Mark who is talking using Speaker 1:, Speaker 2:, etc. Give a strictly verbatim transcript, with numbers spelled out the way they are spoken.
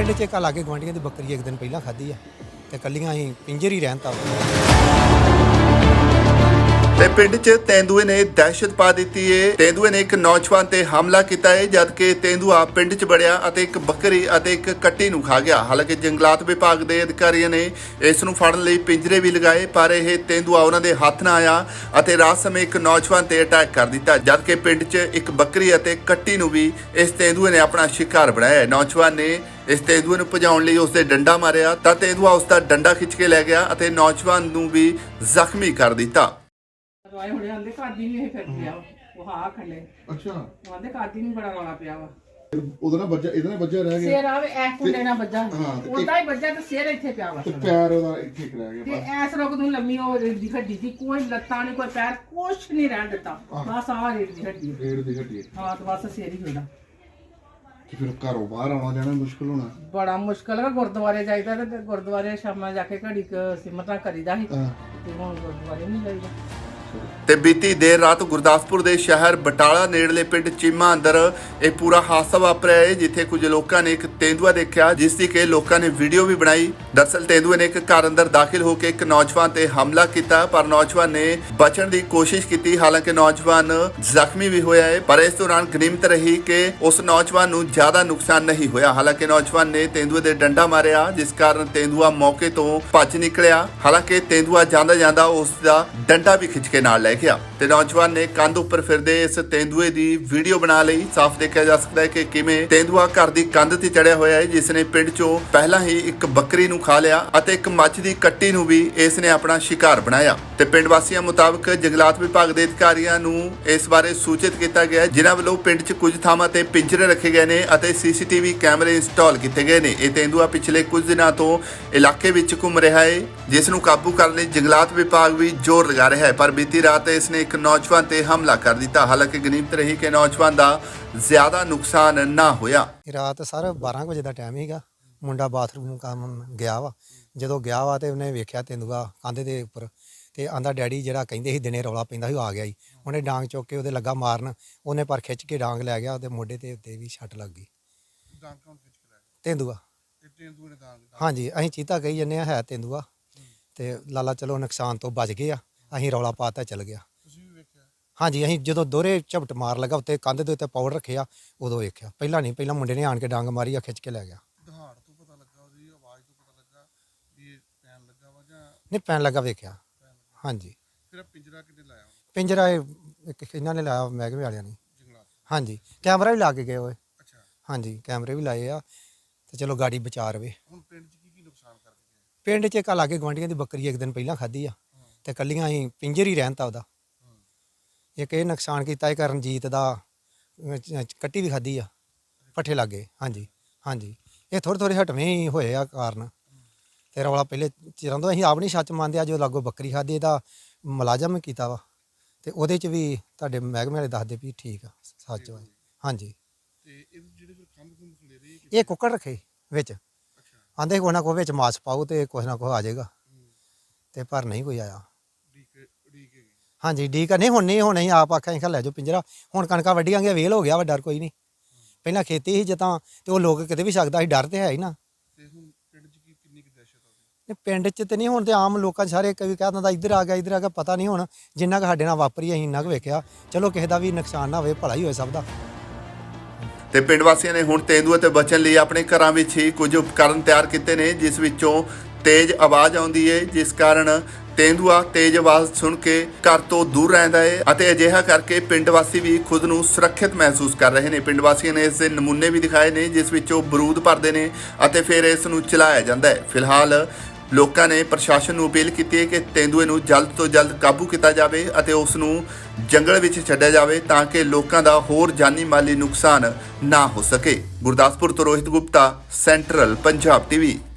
Speaker 1: ਪਿੰਡ 'ਚ ਇੱਕ ਲਾਗੇ ਗੁਆਂਢੀਆਂ ਦੀ ਬੱਕਰੀ ਇੱਕ ਦਿਨ ਪਹਿਲਾਂ ਖਾਧੀ ਆ ਤੇ ਕੱਲੀਆਂ ਅਸੀਂ ਪਿੰਜਰ ਹੀ ਰਹਿਣ ਤਾ
Speaker 2: ਤੇ ਪਿੰਡ 'ਚ ਤੇਂਦੂਏ ਨੇ ਦਹਿਸ਼ਤ ਪਾ ਦਿੱਤੀ ਏ। ਤੇਂਦੂਏ ਨੇ ਇੱਕ ਨੌਜਵਾਨ ਤੇ ਹਮਲਾ ਕੀਤਾ ਏ, ਜਦਕਿ ਤੇਂਦੂਆ ਪਿੰਡ 'ਚ ਵੜਿਆ ਅਤੇ ਇੱਕ ਬੱਕਰੀ ਅਤੇ ਇੱਕ ਕੱਟੀ ਨੂੰ ਖਾ ਗਿਆ। ਹਾਲਾਂਕਿ ਜੰਗਲਾਤ ਵਿਭਾਗ ਦੇ ਅਧਿਕਾਰੀਆਂ ਨੇ ਇਸ ਨੂੰ ਫੜਨ ਲਈ ਪਿੰਜਰੇ ਵੀ ਲਗਾਏ, ਪਰ ਇਹ ਤੇਂਦੂਆ ਉਹਨਾਂ ਦੇ ਹੱਥ ਨਾ ਆਇਆ ਅਤੇ ਰਾਤ ਸਮੇਂ ਇੱਕ ਨੌਜਵਾਨ ਤੇ ਅਟੈਕ ਕਰ ਦਿੱਤਾ, ਜਦਕਿ ਪਿੰਡ 'ਚ ਇੱਕ ਬੱਕਰੀ ਅਤੇ ਕੱਟੀ ਨੂੰ ਵੀ ਇਸ ਤੇਂਦੂਏ ਨੇ ਆਪਣਾ ਸ਼ਿਕਾਰ ਬਣਾਇਆ। ਨੌਜਵਾਨ ਨੇ ਇਸ ਤੇਂਦੂਏ ਨੂੰ ਭਜਾਉਣ ਲਈ ਉਸ ਦੇ ਡੰਡਾ ਮਾਰਿਆ ਤਾਂ ਤੇਂਦੂਆ ਉਸ ਦਾ ਡੰਡਾ ਖਿੱਚ ਕੇ ਲੈ ਗਿਆ ਅਤੇ ਨੌਜਵਾਨ ਨੂੰ ਵੀ ਜ਼ਖਮੀ ਕਰ ਦਿੱਤਾ।
Speaker 3: ਰੋਏ ਹੁਣੇ ਆਂਦੇ ਕਾਦੀ ਨਹੀਂ ਇਹ ਫਿਰ ਗਿਆ ਉਹ ਹਾਂ ਖੰਡੇ
Speaker 4: ਅੱਛਾ
Speaker 3: ਆਂਦੇ ਕਾਦੀ ਨਹੀਂ ਬੜਾ ਰੌਲਾ ਪਿਆ ਵਾ
Speaker 4: ਉਹਦਾ ਨਾ ਬੱਜਾ ਇਹਦਾ ਨਾ ਬੱਜਾ ਰਹਿ ਗਿਆ
Speaker 3: ਸਿਰ ਆਵੇ ਐ ਕੁੰਡੇ ਨਾਲ ਵੱਜਾ
Speaker 4: ਹਾਂ, ਤੇ
Speaker 3: ਉਹਦਾ ਹੀ ਵੱਜਾ ਤੇ ਸਿਰ ਇੱਥੇ ਪਿਆ ਵਾ
Speaker 4: ਤੇ ਪੈਰ ਉਹਦਾ ਇੱਥੇ ਇੱਕ ਰਹਿ
Speaker 3: ਤੇ
Speaker 4: ਗਿਆ
Speaker 3: ਐਸ ਰੋਗ ਨੂੰ ਲੰਮੀ ਉਹ ਰੇੜ ਦੀ ਹੱਡੀ ਦੀ ਕੋਈ ਲੱਤਾਂ ਨਹੀਂ ਕੋਈ ਪੈਰ ਕੁਛ ਨਹੀਂ ਰਹਿਣ ਦਿੱਤਾ ਬਸ ਆਹ ਰੇੜ ਦੀ ਹੱਡੀ
Speaker 4: ਰੇੜ ਦੀ ਹੱਡੀ
Speaker 3: ਹਾਂ ਤੇ ਬਸ ਸਿਰ ਹੀ ਹੁੰਦਾ
Speaker 4: ਤੇ ਫਿਰ ਘਰੋਂ ਬਾਹਰ ਆਉਣਾ ਜਾਣਾ ਮੁਸ਼ਕਲ ਹੋਣਾ
Speaker 3: ਬੜਾ ਮੁਸ਼ਕਲ ਹੈ। ਗੁਰਦੁਆਰੇ ਜਾਈਦਾ ਤੇ ਗੁਰਦੁਆਰੇ ਸ਼ਾਮਾਂ ਜਾ ਕੇ ਘੜੀ ਕੁ ਸਿਮਰਤਾਂ ਕਰੀਦਾ ਸੀ
Speaker 4: ਹਾਂ
Speaker 3: ਤੇ ਹੁਣ ਗੁਰਦੁਆਰੇ ਨਹੀਂ ਜਾਈਦਾ।
Speaker 2: ਤੇ ਬੀਤੀ ਦੇਰ ਰਾਤ ਗੁਰਦਾਸਪੁਰ ਦੇ ਸ਼ਹਿਰ ਬਟਾਲਾ ਨੇੜਲੇ ਪਿੰਡ ਚੀਮਾ ਅੰਦਰ ਇਹ ਪੂਰਾ ਹਾਦਸਾ ਵਾਪਰਿਆ ਹੈ, ਜਿੱਥੇ ਕੁਝ ਲੋਕਾਂ ਨੇ ਇੱਕ ਤੇਂਦੂਆ ਦੇਖਿਆ, ਜਿਸ ਦੀ ਕਿ ਲੋਕਾਂ ਨੇ ਵੀਡੀਓ ਵੀ ਬਣਾਈ। ਦਰਅਸਲ ਤੇਂਦੂਏ ਨੇ ਇੱਕ ਘਰ ਅੰਦਰ ਦਾਖਲ ਹੋ ਕੇ ਇੱਕ ਨੌਜਵਾਨ ਤੇ ਹਮਲਾ ਕੀਤਾ, ਪਰ ਨੌਜਵਾਨ ਨੇ ਬਚਣ ਦੀ ਕੋਸ਼ਿਸ਼ ਕੀਤੀ। ਹਾਲਾਂਕਿ ਨੌਜਵਾਨ ਜ਼ਖਮੀ ਵੀ ਹੋਇਆ ਹੈ, ਪਰ ਇਸ ਦੌਰਾਨ ਗਨੀਮਤ ਰਹੀ ਕਿ ਉਸ ਨੌਜਵਾਨ ਨੂੰ ਜ਼ਿਆਦਾ ਨੁਕਸਾਨ ਨਹੀਂ ਹੋਇਆ। ਹਾਲਾਂਕਿ ਨੌਜਵਾਨ ਨੇ ਤੇਂਦੂਏ ਦੇ ਡੰਡਾ ਮਾਰਿਆ, ਜਿਸ ਕਾਰਨ ਤੇਂਦੂਆ ਮੌਕੇ ਤੋਂ ਭੱਜ ਨਿਕਲਿਆ। ਹਾਲਾਂਕਿ ਤੇਂਦੂਆ ਜਾਂਦਾ ਜਾਂਦਾ ਉਸ ਦਾ ਡੰਡਾ ਵੀ ਖਿੱਚ ਕੇ ਨਾਲ ਲੈ ਗਿਆ ਤੇ ਨੌਜਵਾਨ ਨੇ ਕੰਧ ਉੱਪਰ ਫਿਰਦੇ ਇਸ ਤੇਂਦੂਏ ਦੀ ਵੀਡੀਓ ਬਣਾ ਲਈ। ਸਾਫ਼ ਦੇਖਿਆ ਜਾ ਸਕਦਾ ਹੈ ਕਿ ਕਿਵੇਂ ਤੇਂਦੂਆ ਘਰ ਦੀ ਕੰਧ ਤੇ ਚੜਿਆ ਹੋਇਆ ਹੈ, ਜਿਸ ਨੇ ਪਿੰਡ ਚੋਂ ਪਹਿਲਾਂ ਹੀ ਇੱਕ ਬੱਕਰੀ ਨੂੰ ਖਾ ਲਿਆ ਅਤੇ ਇੱਕ ਮੱਝ ਦੀ ਕੱਟੀ ਨੂੰ ਵੀ ਇਸ ਨੇ ਆਪਣਾ ਸ਼ਿਕਾਰ ਬਣਾਇਆ। ਤੇ ਪਿੰਡ ਵਾਸੀਆਂ ਮੁਤਾਬਕ ਜੰਗਲਾਤ ਵਿਭਾਗ ਦੇ ਅਧਿਕਾਰੀਆਂ ਨੂੰ ਇਸ ਬਾਰੇ ਸੂਚਿਤ ਕੀਤਾ ਗਿਆ, ਜਿਨ੍ਹਾਂ ਵੱਲੋਂ ਪਿੰਡ 'ਚ ਕੁਝ ਥਾਵਾਂ ਤੇ ਪਿੰਜਰੇ ਰੱਖੇ ਗਏ ਨੇ ਅਤੇ ਸੀਸੀਟੀਵੀ ਕੈਮਰੇ ਇੰਸਟਾਲ ਕੀਤੇ ਗਏ ਨੇ। ਇਹ ਤੇਂਦੂਆ ਪਿਛਲੇ ਕੁਝ ਦਿਨਾਂ ਤੋਂ ਇਲਾਕੇ ਵਿੱਚ ਘੁੰਮ ਰਿਹਾ ਹੈ, ਜਿਸ ਨੂੰ ਕਾਬੂ ਕਰਨ ਲਈ ਜੰਗਲਾਤ ਵਿਭਾਗ ਵੀ ਜ਼ੋਰ ਲਗਾ ਰਿਹਾ ਹੈ, ਪਰ ਬੀਤੀ ਰਾਤ ਇਸ ਨੇ ਇੱਕ ਨੌਜਵਾਨ ਤੇ ਹਮਲਾ ਕਰ ਦਿੱਤਾ। ਹਾਲਾਂਕਿ ਗਨੀਮਤ ਰਹੀ ਕਿ ਨੌਜਵਾਨ ਦਾ ਜ਼ਿਆਦਾ ਨੁਕਸਾਨ ਨਾ ਹੋਇਆ।
Speaker 1: ਰਾਤ ਸਰ ਬਾਰਾਂ ਕੁ ਵਜੇ ਦਾ ਟਾਈਮ ਸੀਗਾ। ਮੁੰਡਾ ਬਾਥਰੂਮ ਕੰਮ ਗਿਆ ਵਾ, ਜਦੋਂ ਗਿਆ ਵਾ ਤੇ ਉਹਨੇ ਵੇਖਿਆ ਤੇਂਦੂਆ ਕੰਧ ਦੇ ਉੱਪਰ ਤੇ ਆਂਦਾ ਡੈਡੀ ਜਿਹੜਾ ਕਹਿੰਦੇ ਸੀ ਦਿਨੇ ਰੌਲਾ ਪੈਂਦਾ ਸੀ ਉਹ ਆ ਗਿਆ ਜੀ। ਉਹਨੇ ਡਾਂਗ ਚੁੱਕ ਕੇ ਉਹਦੇ ਲੱਗਾ ਮਾਰਨ, ਉਹਨੇ ਪਰ ਖਿੱਚ ਕੇ ਡਾਂਗ ਲੈ ਗਿਆ, ਉਹਦੇ ਮੋਢੇ ਤੇ ਉੱਤੇ ਵੀ ਛੱਟ ਲੱਗ ਗਈ।
Speaker 4: ਡਾਂਗ ਕੌਣ ਖਿੱਚ ਕੇ ਲੈ ਗਿਆ?
Speaker 1: ਤੇਂਦੂਆ
Speaker 4: ਇਹ ਤੇਂਦੂਏ ਨੇ ਡਾਂਗ
Speaker 1: ਹਾਂਜੀ, ਅਸੀਂ ਚੀਤਾ ਕਹੀ ਜੰਨੇ ਆ, ਹੈ ਤੇਂਦੂਆ ਤੇ ਲਾਲਾ ਚਲੋ ਨੁਕਸਾਨ ਤੋਂ ਬਚ ਗਏ ਆ। ਅਸੀਂ ਰੌਲਾ ਪਾਤਾ ਚੱਲ ਗਿਆ।
Speaker 4: ਤੁਸੀਂ ਵੀ ਵੇਖਿਆ?
Speaker 1: ਹਾਂਜੀ, ਅਸੀਂ ਜਦੋਂ ਦੋਹਰੇ ਝਪਟ ਮਾਰ ਲੱਗਾ ਉੱਤੇ ਕੰਧ ਦੇ ਉੱਤੇ ਪਾਊਡਰ ਰੱਖਿਆ ਉਦੋਂ ਵੇਖਿਆ। ਪਹਿਲਾਂ ਨਹੀਂ, ਪਹਿਲਾਂ ਮੁੰਡੇ ਨੇ ਆਣ ਕੇ ਡਾਂਗ ਮਾਰੀ ਆ, ਖਿੱਚ ਕੇ ਲੈ ਗਿਆ।
Speaker 4: ਦਹਾੜ ਤੋਂ ਪਤਾ ਲੱਗਾ, ਉਹਦੀ ਆਵਾਜ਼ ਤੋਂ ਪਤਾ ਲੱਗਾ ਵੀ ਇਹ ਪੈਣ ਲੱਗਾ ਵਾ ਜਾਂ
Speaker 1: ਨਹੀਂ ਪੈਣ ਲੱਗਾ ਵੇਖਿਆ। ਹਾਂਜੀ,
Speaker 4: ਫਿਰ ਪਿੰਜਰਾ ਕਿੱਥੇ ਲਾਇਆ
Speaker 1: ਪਿੰਜਰਾ ਇਹ ਇੱਕ ਇਹਨਾਂ ਨੇ ਲਾਇਆ, ਮਹਿਕਮੇ ਵਾਲਿਆਂ ਨੇ।
Speaker 4: ਜੰਗਲਾਤ?
Speaker 1: ਹਾਂਜੀ, ਕੈਮਰਾ ਵੀ ਲਾ ਕੇ ਗਏ ਹੋਏ।
Speaker 4: ਅੱਛਾ।
Speaker 1: ਹਾਂਜੀ, ਕੈਮਰੇ ਵੀ ਲਾਏ ਆ ਤੇ ਚਲੋ ਗਾੜੀ ਬਚਾ ਰਵੇ।
Speaker 4: ਹੁਣ ਪਿੰਡ 'ਚ ਕੀ ਕੀ ਨੁਕਸਾਨ ਕਰਕੇ ਗਏ?
Speaker 1: ਪਿੰਡ 'ਚ ਇੱਕ ਲਾਗੇ ਗੁਆਂਢੀਆਂ ਦੀ ਬੱਕਰੀ ਇੱਕ ਦਿਨ ਪਹਿਲਾਂ ਖਾਧੀ ਆ ਤੇ ਕੱਲੀਆਂ ਅਸੀਂ ਪਿੰਜਰ ਹੀ ਰਹਿਣ ਤਾ ਉਹਦਾ। ਇੱਕ ਇਹ ਨੁਕਸਾਨ ਕੀਤਾ ਇਹ ਰਣਜੀਤ ਦਾ ਅਹ, ਚ- ਕੱਟੀ ਵੀ ਖਾਧੀ ਆ ਪੱਠੇ ਲਾਗੇ। ਹਾਂਜੀ ਹਾਂਜੀ, ਇਹ ਥੋੜ੍ਹੇ ਥੋੜ੍ਹੇ ਹਟਵੇਂ ਹੀ ਹੋਏ ਆ ਕਾਰਨ। ਤੇ ਰੌਲਾ ਪਹਿਲੇ ਚਿਰਾਂ ਤੋਂ ਅਸੀਂ ਆਪ ਨਹੀਂ ਸੱਚ ਮੰਨਦੇ ਆ, ਜੋ ਲਾਗੋ ਬੱਕਰੀ ਖਾਧੀ ਇਹਦਾ ਮੁਲਾਜ਼ਮ ਕੀਤਾ ਵਾ ਤੇ ਉਹਦੇ 'ਚ ਵੀ ਤੁਹਾਡੇ ਮਹਿਕਮੇ ਵਾਲੇ ਦੱਸਦੇ ਵੀ ਠੀਕ ਆ ਸੱਚ ਵਾ। ਹਾਂਜੀ,
Speaker 4: ਤੇ ਇਹ ਜਿਹੜੇ ਫਿਰ ਖੰਭ ਖੁੰਭ ਖਲੇਰੇ
Speaker 1: ਇਹ ਕੁੱਕੜ ਰੱਖੇ ਵਿੱਚ,
Speaker 4: ਅੱਛਾ।
Speaker 1: ਆਂਦੇ ਕੋਈ ਨਾ ਕੋਈ ਵਿੱਚ ਮਾਸ ਪਾਓ ਤੇ ਕੁਛ ਨਾ ਕੁਛ ਆ ਜਾਏਗਾ, ਤੇ ਪਰ ਨਹੀਂ ਕੋਈ ਆਇਆ।
Speaker 4: ਡੀਕੇ ਡੀਕੇ ਗਏ?
Speaker 1: ਹਾਂਜੀ, ਡੀਕ ਨਹੀਂ ਹੁਣ ਨਹੀਂ, ਹੁਣ ਅਸੀਂ ਆਪ ਆਖਿਆ ਅਸੀਂ ਲੈ ਜਾਓ ਪਿੰਜਰਾ। ਹੁਣ ਕਣਕਾਂ ਵੱਢੀਆਂ ਗਿਆ, ਵੇਲ ਹੋ ਗਿਆ ਵਾ, ਡਰ ਕੋਈ ਨਹੀਂ। ਪਹਿਲਾਂ ਖੇਤੀ ਸੀ ਜਦਾਂ ਤੇ ਉਹ ਲੋਕ ਕਿਤੇ ਵੀ ਸਕਦਾ ਸੀ, ਡਰ ਤੇ ਹੈ ਹੀ ਨਾ।
Speaker 4: ਤੇ ਹੁਣ ਪਿੰਡ 'ਚ ਕੀ ਕਿੰਨੀ ਕੁ ਦਹਿਸ਼ਤ ਆ ਉਹਦੀ?
Speaker 1: ਨਹੀਂ ਪਿੰਡ 'ਚ ਤੇ ਨਹੀਂ, ਹੁਣ ਤੇ ਆਮ ਲੋਕਾਂ 'ਚ ਸਾਰੇ ਕਈ ਕਹਿ ਦਿੰਦਾ ਇੱਧਰ ਆ ਗਿਆ ਇੱਧਰ ਆ ਗਿਆ, ਪਤਾ ਨਹੀਂ ਹੁਣ ਜਿੰਨਾ ਕੁ ਸਾਡੇ ਨਾਲ ਵਾਪਰੀ ਅਸੀਂ ਇੰਨਾ ਕੁ ਵੇਖਿਆ। ਚਲੋ ਕਿਸੇ ਦਾ ਵੀ ਨੁਕਸਾਨ ਨਾ ਹੋਵੇ, ਭਲਾ ਹੀ ਹੋਏ ਸਭ ਦਾ।
Speaker 2: ਤੇ ਪਿੰਡ ਵਾਸੀਆਂ ਨੇ ਹੁਣ ਤੇਂਦੂਏ ਤੋਂ ਬਚਣ ਲਈ ਆਪਣੇ ਘਰਾਂ ਵਿੱਚ ਹੀ ਕੁਝ ਉਪਕਰਨ ਤਿਆਰ ਕੀਤੇ ਨੇ, ਜਿਸ ਵਿੱਚੋਂ ਤੇਜ਼ ਆਵਾਜ਼ ਆਉਂਦੀ ਹੈ, ਜਿਸ ਕਾਰਨ ਤੇਂਦੂਆ ਤੇਜ਼ ਆਵਾਜ਼ ਸੁਣ ਕੇ ਘਰ ਤੋਂ ਦੂਰ ਰਹਿੰਦਾ ਹੈ ਅਤੇ ਅਜਿਹਾ ਕਰਕੇ ਪਿੰਡ ਵਾਸੀ ਵੀ ਖੁਦ ਨੂੰ ਸੁਰੱਖਿਅਤ ਮਹਿਸੂਸ ਕਰ ਰਹੇ ਨੇ। ਪਿੰਡ ਵਾਸੀਆਂ ਨੇ ਇਸ ਦੇ ਨਮੂਨੇ ਵੀ ਦਿਖਾਏ ਨੇ, ਜਿਸ ਵਿੱਚੋਂ ਬਰੂਦ ਭਰਦੇ ਨੇ ਅਤੇ ਫਿਰ ਇਸ ਨੂੰ ਚਲਾਇਆ ਜਾਂਦਾ ਹੈ। ਫਿਲਹਾਲ ਲੋਕਾਂ ਨੇ ਪ੍ਰਸ਼ਾਸਨ ਨੂੰ ਅਪੀਲ ਕੀਤੀ ਹੈ ਕਿ ਤੇਂਦੂਏ ਨੂੰ ਜਲਦ ਤੋਂ ਜਲਦ ਕਾਬੂ ਕੀਤਾ ਜਾਵੇ ਅਤੇ ਉਸ ਨੂੰ ਜੰਗਲ ਵਿੱਚ ਛੱਡਿਆ ਜਾਵੇ, ਤਾਂ ਕਿ ਲੋਕਾਂ ਦਾ ਹੋਰ ਜਾਨੀ ਮਾਲੀ ਨੁਕਸਾਨ ਨਾ ਹੋ ਸਕੇ। ਗੁਰਦਾਸਪੁਰ ਤੋਂ ਰੋਹਿਤ ਗੁਪਤਾ, ਸੈਂਟਰਲ ਪੰਜਾਬ ਟੀਵੀ।